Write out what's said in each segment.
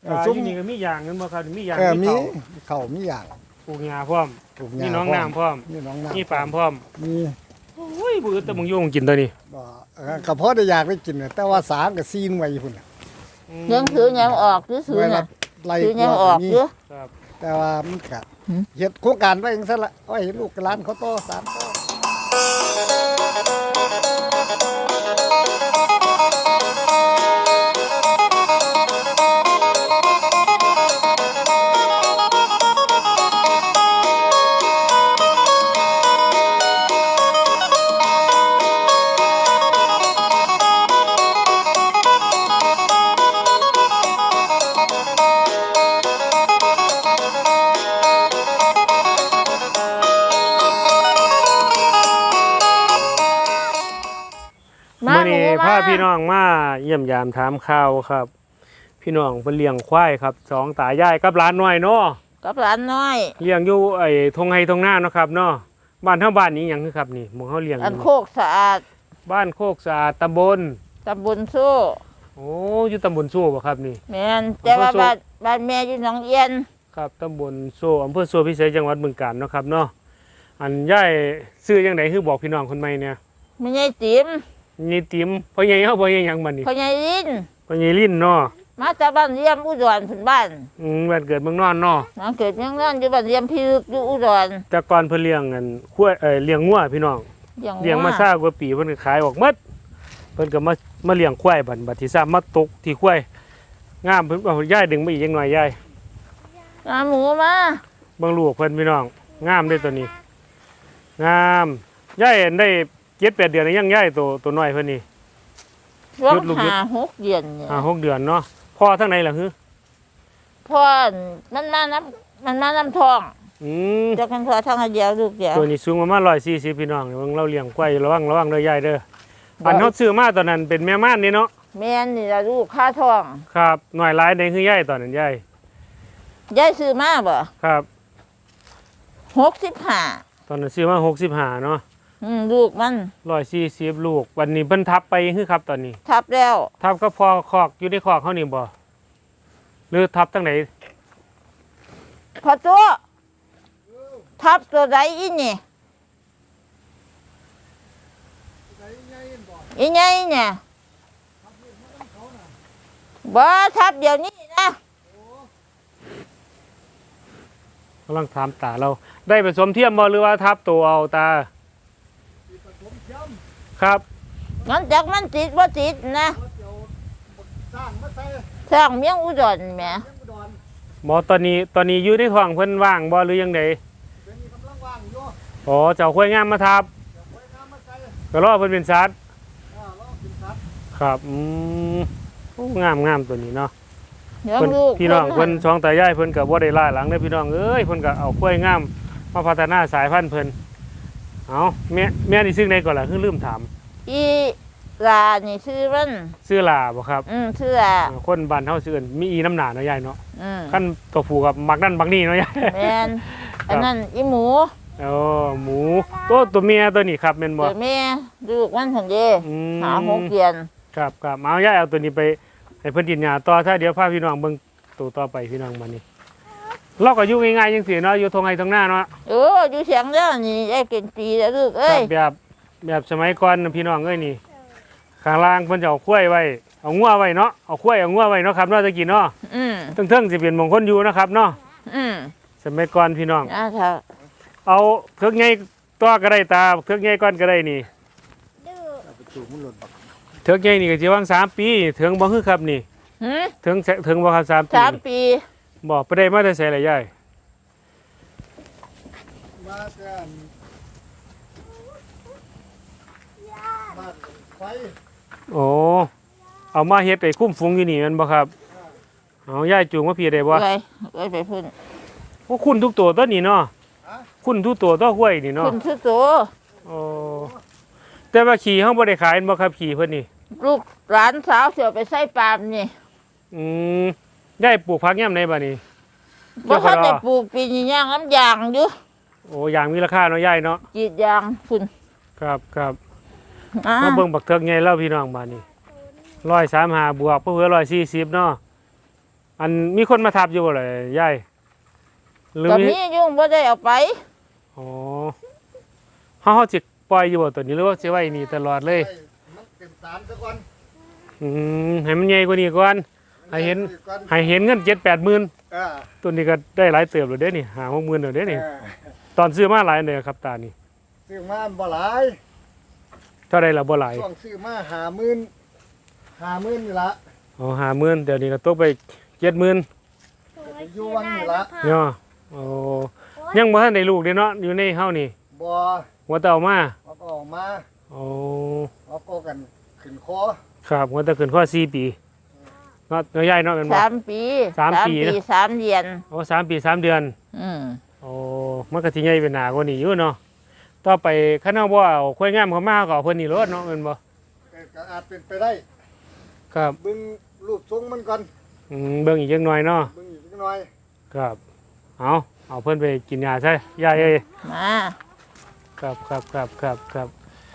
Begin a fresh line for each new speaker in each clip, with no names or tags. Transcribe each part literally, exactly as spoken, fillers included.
ซุ้มนี่ก็มีอย่างนั้นบ่ครับมีอย่าง
เออมี
มี
เขามีอย่าง
ปลูกหญ้าพร้อม
ปลูก
มีน้องน้ำพร้อม
มีน้องน้ำ
มีปาล์มพร้อม
มี
โอ้ยบ่อึดแต่มึงอยู่มึงกินตัวนี้
บ่เออกระเพาะได้อยากได้กินน่ะแต่ว่าสางก็ซีนไว้พุ่นน่ะ
ยังถือยังออกซื้อซื้อ
ไว้
น่ะ
ไล่
ถือยัง
ก
อ
วา
อก
มี
เยอะ
ครับ
แต่ว่ามันก็
หืม
เฮ็ดโครงการไว้จังซั่นละเอาให้ลูกหลานเขาโตสานโต
มา
มื้อ
หนู
นี้
มา
พาพี่น้องมาเยี่ยมยามถามข่าวครับ พี่น้องเพิ่นเลี้ยงควายครับสองตายายกับหลานน้อยเนาะ
กับหลานน้อย
เลี้ยงอยู่ไอ้ทงไห้ทงนาเนาะครับเนาะบ้านเฮาบ้านนี้หยังคือครับนี่หมู่เฮาเลี้ยงอ
อัน
ยู่
โคกสะอาด
บ้านโคกสะอาดตำบล
ตำบลสู้
โอ้อยู่ตำบลโซ่บ่ครับนี่
แม่นแต่ว่า
อำเภอสู้
บ้านบ้านแม่อยู่หนองเอียน
ครับตำบลโซ่อำเภอโซ่พิเศษจังหวัดบึงกาฬเนาะครับเนาะอันยายซื้อจังไดคือบอกพี่น้องคนใหม่เนี่ย
ไม่ใช่ติ๋ม
นี่ติ๋มพ่อใหญ่เฮาพ่อใหญ่หยังบัดนี้
พ่อใหญ่ลิน
พ่อใหญ่ลิ้นเนาะ
มาจากบ้านเยี่ยมอุดรพื้นบ้าน
อืมบ้านเกิดเมืองนอนเนาะ
มาเกิดยังนั่นอยู่บ้านเยี่ยมพิลึกอยู่อุดร
แต่ก่อนเพิ่นเลี้ยงอันควายเอ่อเลี้ยงงัวพี่น้อง
อย่าง
เลี้ยงมาซ่ากว่าปีเพิ่นก็ขายออกหมดเพิ่นก็มามาเลี้ยงควายบัดบัดที่ซ่ามาตกที่ควายงามเพิ่นเอายายดึงมาอีกจังหน่อยยาย
น้ำหมูมา
เบิ่งลูกเพิ่นพี่น้องงามเด้อตัวนี้งามยายได้เจ็ดแปดเดือนแล้วยังยายตัวตัวน้อยเพิ่นนี่
ร้อง
หยุดลูกหยุด
หาหกเดือนเนี่ย
อ่าหกเดือนเนาะพ่อทั้งไหนล่ะฮึ
พ่อมันมาน้ำมันมาน้ำทอง
อืม
เจะกันพอทางเดียวลูกเดียว
ตัวนี้สูงประมาณหนึ่งร้อยสี่สิบพี่น้องเบิ่งเราเลี้ยงควายระวังระวังเด้อยายเด้ออันเฮาซื้อมาตอนนั้นเป็นแม่ม่านนี่เนาะ
แม่นนี่ละลูกค่าทอง
ครับหน่อยหลายในคือยายตอนนั้นยาย
ยายซื้อมาบ่
ครับ
หกสิบห้า
ตอนนั้นซื้อมาหกสิบห้าเนาะ
อืมลูกมัน
ร้อยสี่สิบลูกวันนี้เพิ่นทับไปคือครับตอนนี้
ทับแล้ว
ทับก็พอคอกอยู่ในคอกเขานี่บ่หรือทับตั้งไหน
พอตัวทับตัวใดอีนี่อีไงเนี่ยบ่ทับเดี๋ยวนี้นะ
กำลังถามตาเราได้ผสมเทียมบ่หรือว่าทับตัวเอาตาครับ
มันจากมันติดบ่ติดนะ
สร้างมาใส่
สร้างเมียงอุดรแหม
ยังอุดร
หมอตอนนี้ตอนนี้อยู่ในท้องเพิ่นว่างบ่หรือยังไง
เดี๋ยวนี้กำลังว่างอยู่
อ๋อเจ้าข้วยงามมาทับ
เดี๋ยวไว้น้ำมาใส่
ก็รอเพิ่นเป็นสัตว์
อ่ารอกินสัตว์
ครับอืมโอ้งามงามตัวนี้เนาะ
เดี๋ยว
เพิ่น
ลูก
พี่น้อง
พิ่
เพิ่นช่องตายายเพิ่นก็บ่ได้ล่าหลังเด้อพี่น้องเอ้ยเพิ่นก็เอาข้วยงามมาพัฒนาสายพันธุ์เพิ่นเอาแม่แม่นี่ซึ่งใดก่อนล่ะคือลืมถาม
อีลานี่ชื่อมัน
ชื่อลาบ่ครับ
อืมชื่อลา
อ่าคนบ้านเฮาชื่ออื่นมีอีน้ำหนาเนาะยายเนาะ
อืม
ขั้นตัวผูกับมักนั่นมักนี่เนาะยาย
แม่นอันนั้นอีหมู
อ๋อหมูตัวตัวเมียตัวนี้ครับแม่นบ่
เดี๋ยวแม่ลูกมันหั่นเด้
อืม
หาหกเดือน
ครับครับเอายายเอาตัวนี้ไปให้เพิ่นกินหญ้าต่อถ้าเดี๋ยวพาพี่น้องเบิ่งตัวต่อไปพี่น้องมานี่เราก็อยู่ง่ายๆจังซี่เนาะอยู่ทงไห้ทงหน้าเนาะ
เอออยู่เสียงแล้วนี่ได้กินปีแล้วลูก
ค
เอ้
รั
ย
บแบบแบบสมัยก่อนน่ะพี่น้องเอ้ยนี่ข้างล่างเพิ่นจะเอาข้วยไว้เอางัวไว้เนาะเอาข้วยเอางัวไว้เนาะครับเนาะตะกี้เนาะ
อืม
เทิงๆสิเป็นมงคลอยู่นะครับเนาะ
อืม
สมัยก่อนพี่น้อง
อ่าถ้า
เอาเทือกใหญ่ตัวก็ได้ตาเทือกใหญ่ก่อนก็ได้นี่
เอาไปจูบมันหล่นบัก
เทือกใหญ่นี่ก็สิวางสามปีถึงบ่คือครับนี่
หืม
ถึงแสถึงบ่ครับสามปี
สามปี
บ่ไปได้มาแต่ไสล่ะยาย
มาแต่อันบ้านไฟ
โอ้เอามาเฮ็ดไอ้คุ้มฟุ้งอยู่นี่แม่นบ่ครับเอายายจูงมาพี่ได้บ่
ไปไปไปพุ่น
โอ้คุณทุกตัวตัวนี้เนาะ
ฮะ
คุณทุกตัวตัวห้วยนี่เนาะ
พุ่นชื่อโต
โอ้แต่ว่าขี่เฮาบ่ได้ขายแม่นบ่ครับขี่เพิ่นนี่
ลูกหลานสาวเสียไปใส่ปาล์มนี่
อืมยายปลูกผักยามใดบัดนี้
บ่ทันได้ปลูกปีนี้ย่างน้ำยางอยู่
โอ้ยางมีราคาเนาะยายเนาะ
กรีดยางพุ่น
ครับครับ
อ่า
มาเบิ่งบักเทือกใหญ่แล้วพี่น้องบัดนี้หนึ่งร้อยสามสิบห้าบวกเพื่อหนึ่งร้อยสี่สิบเนาะอันมีคนมาทับอยู่บ่เลยยายหรือ
ก็
มี
มียุ่งบ่ได้เอาไป
อ๋อเฮาเฮาสิปล่อยอยู่บ่ตัวนี้หรือว่าสิไว้นี่ตลอดเลย
มันเป็นสารซะก่อน
อืมให้มันใหญ่กว่านี้ก่อนให้เห็นให้เห็นเงินเจ็ดแปดหมื่น
เออ
ตัวนี้ก็ได้หลายเติบแล้วเด้นี่ห้าหกหมื่นแล้วเด้นี่
เออ
ตอนซื้อมาหลายเด้อครับตานี่
ซื้อมาบ่หลาย
เท่าใดล่ะบ่หลาย
ช่วงซื้อมาห้าหมื่นห้าหมื่นนี่ละ
อ๋อห้าหมื่นเดี๋ยวนี้ก็ตกไปเจ็ดหมื่น
อยู่วังนี่ละ
เนาะโอ้ยังบ่ทันได้ลูกเด้เนาะอยู่ในเฮานี่
บ่
หัวเต่ามา
เอาก็ออกมา
โอ้
เอาก็กันขึ้นคอ
ครับหัวเต่าขึ้นข้อสี่ปีเนาะเนาะยายเนาะแม่นบ่
สามปี
สามปีนะ
สามเดือน
โอ้สามปีสามเดือน
อืม
โอ้มันก็สิใหญ่เป็นหนากว่านี้อยู่เนาะต่อไปคันเฮาบ่เอาค่อยงามเข้ามาก็เอาเพิ่นนี่รถเนาะแม่นบ่
เออก็อาจเป็นไปได้
ครับ
เบิ่งรูปทรงมันก่อน
อืมเบิ่งอีกจักหน่อยเนาะ
เบิ่งอีกจักหน่อย
ครับเอาเอาเพิ่นไปกินยาซะยายเอ้ย
มา
ครับครับครับครับครับ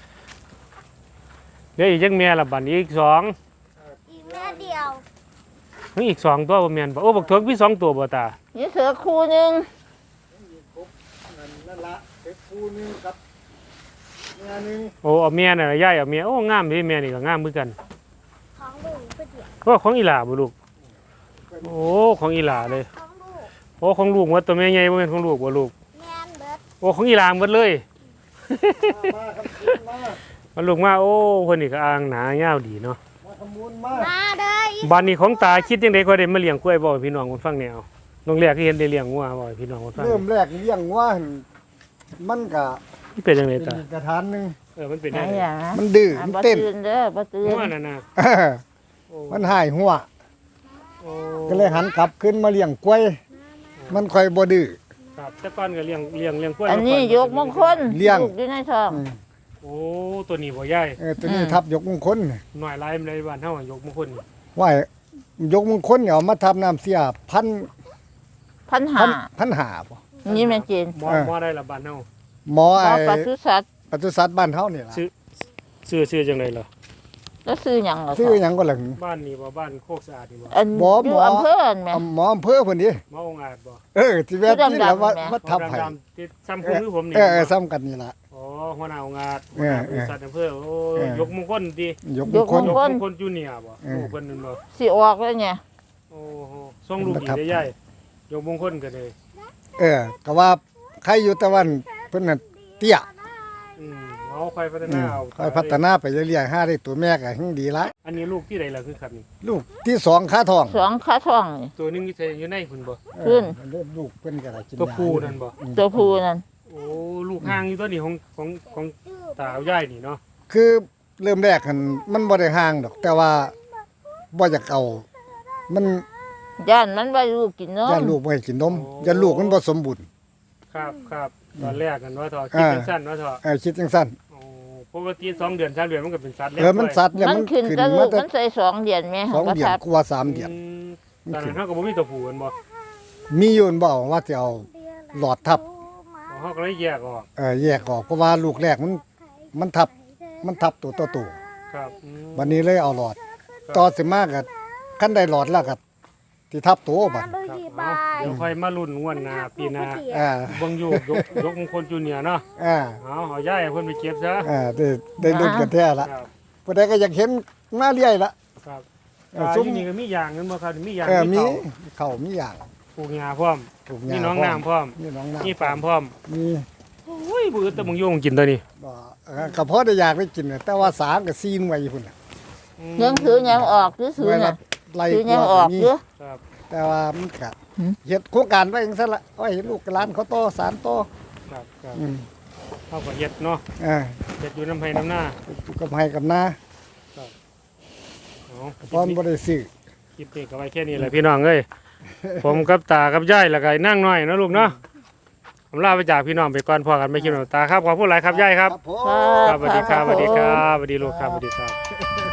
เดี๋ยวอีกจักแม่ละบัดนี้อีกสอง
อีกแม่เดียว
มีอีกสองตัวบ่แม่นบ่โอ้บักเถิกมีสองตัวบ่ตา
นี่เสือคู่หนึง
นั่นนั่นละเป็นคู่หนึงกับเมียหนึง
โอ้เอาแม่น่ะยายเอาแม่โอ้งามเด้แม่นี่ก็งามเหมือนกัน
ของลูกก็เดียว
ก็ของอีหลาบ่ลูกโอ้ของอีหลาเลย
ของลูก
โอ้ของลูกว่าตัวแม่ใหญ่บ่แม่นของลูกบ่ลูก
แม่นเบิด
โอ้ของอีหลาหมดเลย
มาครับคุณมา
มันลูกมาโอ้เพิ่นนี่ก็อ่างหนายาวดีเนาะ
มาทำบุญมา
มาเด้ออี
บ้านนี้ของตาคิดจังได๋ก็ได้มาเลี้ยงกล้วยบ่ให้พี่น้องคนฟังแนวน้องแรกที่เห็นได้เลี้ยงงัวบ่ให้พี่น้องคนฟัง
เริ่มแรกเลี้ยงว่าหั่นมันก็
มันเป็นจังได๋
เป็น
ตา
อีกกระถานหนึง
เออมันเป็น
ไหน
จังได๋
อ่ะ
มันดื้อ
อ่ะ
มัน
บ่
เต้น
ตื่นเด้อบ่ตื่น
งัวนั่นน่ะ
เออ
โอ้
มันหายหัว
โอ้
ก็เลยหันกลับขึ้นมาเลี้ยงกล้วย มันค่อยบ่ดื้อ
ครับแต่ก่อนก็เลี้ยงเลี้ยงเลี้ยงกล้วย
อันนี้
มาก่
ยกมงคล
เลี้ยง
ลูกอยู่ในท้อง
อืม
โอ้ตัวนี้บ่ใหญ่
เออตัวนี้
อืม
ทับยกมงคล
หน่อยหลายในบ้านเฮาอะยกมงคลนี่
ว่ายกมงคลเนี่ยเอามาทำน้ำเสียพัน
พันหา
พันพันหาบ่
นี่แม่นจีน
หมอ
เออ
หมอได้ละบ้านเฮา
หมอ
หม
ไอ้
อปศุสัตว์
ปศุสัตว์บ้านเฮานี่ล่ะ
ซื้อซื้อซื้อจังได๋ล่ะ
แล้วซื้อหยังล่ะ
ชื่อหยังก็หลัง
บ้านนี้บ่บ้านโคกสะอาดนี่บ่
อัน
หมอ
อ
หม
ยู่
อ
อำเภอนั่นแหม่
หมออำเภอเพิ่นดิ
หมอองค์อาจบ่
เออที่แว่ที่แล้วว่า
ชื่อดำๆแม่
ว่าทับไผ
ดำๆที่ซ้ำคุณคือผมนี่
เออเออซ้ำกันนี่ล่ะ
อ๋อหัวหน้าองค์อาจ
เออ
บริษัทอำเภอโอ้
เออ
ยกมงคลติ
ยกมงคล
ยก
ย
ม
ก
ง
มงคลจูเนียร์บ่
เออ
ลูกเพิ่นนั่นบ่
สิออกแล้วเนี่ย
โอ้โหส่งลูกอีกได้ใหญ่ยกมงคลก็ได้
เออก็ว่าใครอยู่ตะวันเพิ่นน่ะเตี้ย
อืมเอาค่อยพัฒ
อื
นาม เอา
ค่อยพัฒนาไปเรื่อยๆหาได้ตัวแม่ก็ยิ่งดีละ
อันนี้ลูกที่ใดล่ะคือครับนี่
ลูกที่สองขาทอง
สองขาท้องนี่
ตัวหนึงที่อยู่ในพุ่นบ่
ขึ้น
เออลูกเพิ่นก็ได้กิน
ตัวย
า
ผู้นั่นบ่
ตัวผู้นั่น
โอ้ลูกห่างอยู่ตัวนี้ของของของตาเอายายนี่เนาะ
คือเริ่มแรกหันมันบ่ได้ห่างดอก แต่ว่าบ่อยากเอา มัน
ย่านมันว่าลูกกินนม
ย่านลูกบ่ให้กินนมย่านลูกมันบ่สมบูรณ์
ครับครับตอนแรกกันว่าเถอะคิด
อ่า
จังซั่นว่าเถอะ
เออคิดจังซั่น
โอ้ปกติสองเดือนสามเดือนมันก็เป็นสัตว์
เออมันสัตว์เนี่ย
มั
มัน น
ขึ้น
ขึ้น
กับลู
มาก แต่
มันใส่สองเดือนแม่
สอง
ก็
เดือน
ทับ
กว่าสามเดือน
มตอนนั้นเฮาก็บ่มีตัวผู้กันบ่
มีอยู่บ่ว่าสิเอาหลอดทับ
อ๋อเฮาก็เลยแยกออก
เออแยกออกเพราะว่าลูกแรกมันมันทับมันทับตัวต่อตัว
ครับอืม
วันนี้เลยเอาหลอด ต่อสิมากก็คันได้หลอดแล้วก็ที่ทับตัวบัด
มาดู
ครับ
ดี
เอา
บาย
เดี๋ยวค่อยมาลุ้นงวดหน้าปีหน้า
อ่า
เบิ่งอยู่ยกยกมงคลจูเนียร์เนาะ
อ่า
เอาเอาย้ายให้เพิ่นไปเก็บซะ
อ่าได้ได้ลุ้นกันแท้ละ
ครับ
ผู้ใดก็อยากเห็นมาเรื่อยละ
ครับ
เออ
อ่า
ซุ้ม
ที่นี่ก็มีอย่างนึงบ่ครับมีอย่าง
เออมี
เขา
เขามีอย่าง
ปลูกหญ้าพร้อม
ปลูกห
มี
ญ้า
น้องน้ำพร้อม
มีน้องน้ำ
มีปาล์มพร้อม
มี
โอ้ยบ่อึดแต่มึงโยงกินตัวนี้
บ่เออก็พอได้อยากได้กินน่ะแต่ว่าสามก็ซีนไว้พุ่นน่ะ
ยังถือยังออกซื้อ
ไว้
ๆ
ละ
น่ะ
ไล่
ถือก ยัง
ว่า
ออก
ก็มี
เด้อ
ครับ
แต่ว่ามันก็
หืม
เฮ็ดโครงการไว้จังซั่นละเอาไว้ให้ลูกกับหลานเขาโตสารโต
ครับครับ
อืม
เฮาก็เฮ็ดเนาะ
อ่า
เฮ็ดอยู่น้ำไห้น้ำหน้า
อยู่กับให้กับนา
เอา
พร้อมบ่ได้ซื้อ
คลิปนี้ก็ไว้แค่นี้แหละพี่น้องเอ้ย ผมกับตากับยายแล้วก็นั่งน้อยเนาะลูกเนาะผมลาไปจากพี่น้องไปก่อนพอกันไม่คิดหนตาครับขอบคุณหลายครับยายครับ
ผม
ครับสวัสดีครับสวัสดีครับสวัสดีลูกครับสวัสดีครับ